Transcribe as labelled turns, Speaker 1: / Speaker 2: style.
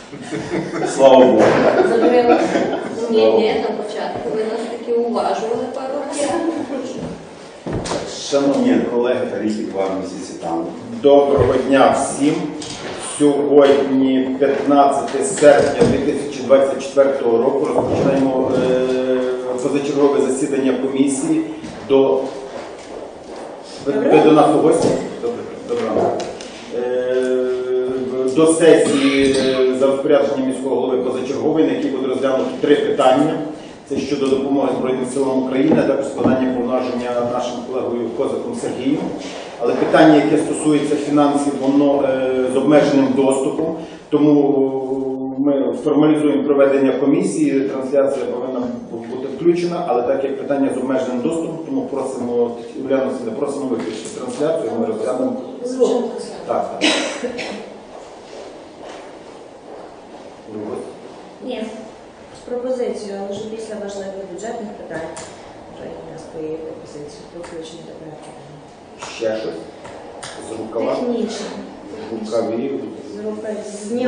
Speaker 1: Слава Богу.
Speaker 2: Ні, на початку ви нас таки уважували пару разів.
Speaker 1: Шановні колеги та рідні 2 місяці там. Доброго дня всім. Сьогодні 15 серпня 2024 року розпочинаємо позачергове засідання комісії. Ви до нас у гості? Добре. До сесії за розпорядженням міського голови позачергової, на якій буде розглянути 3 питання. Це щодо допомоги Збройним силам України, а також складання повноваження нашим колегою Козаком Сергієм. Але питання, яке стосується фінансів, воно з обмеженим доступом, тому ми формалізуємо проведення комісії, трансляція повинна бути включена, але так як питання з обмеженим доступом, тому просимо, Уляну, просимо виключити трансляцію, ми розглянемо. Так.
Speaker 3: Ні, з пропозицією, але вже після важливих бюджетних питань вже у нас є пропозиція про включення до проекту.
Speaker 1: Ще щось? З рукава?
Speaker 3: Технічно.
Speaker 1: Рукавів?
Speaker 3: З